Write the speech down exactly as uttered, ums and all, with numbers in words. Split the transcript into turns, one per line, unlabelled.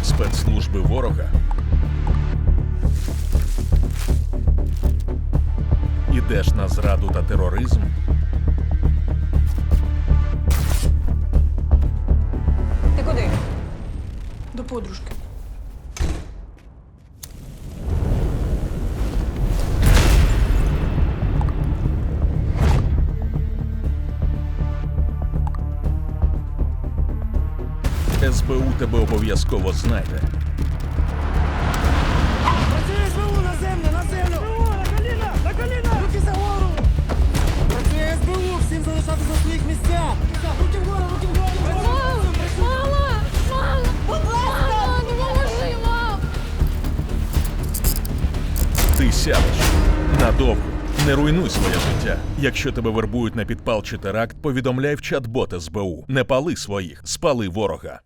Спецслужби ворога ідеш на зраду та тероризм?
Ти куди? До подружки.
ес бе у тебе обов'язково знайде.
Працює СБУ на землю, на землю! СБУ, на коліна, на коліна! Руки за гору! Працює СБУ, всім залишатися на своїх місцях! Руки вгору, руки вгору!
Мама! Мама! Мама! Мама, допоможи, мам!
Ти сядеш надовго. Не руйнуй своє життя. Якщо тебе вербують на підпал чи теракт, повідомляй в чат-бот ес бе у. Не пали своїх, спали ворога.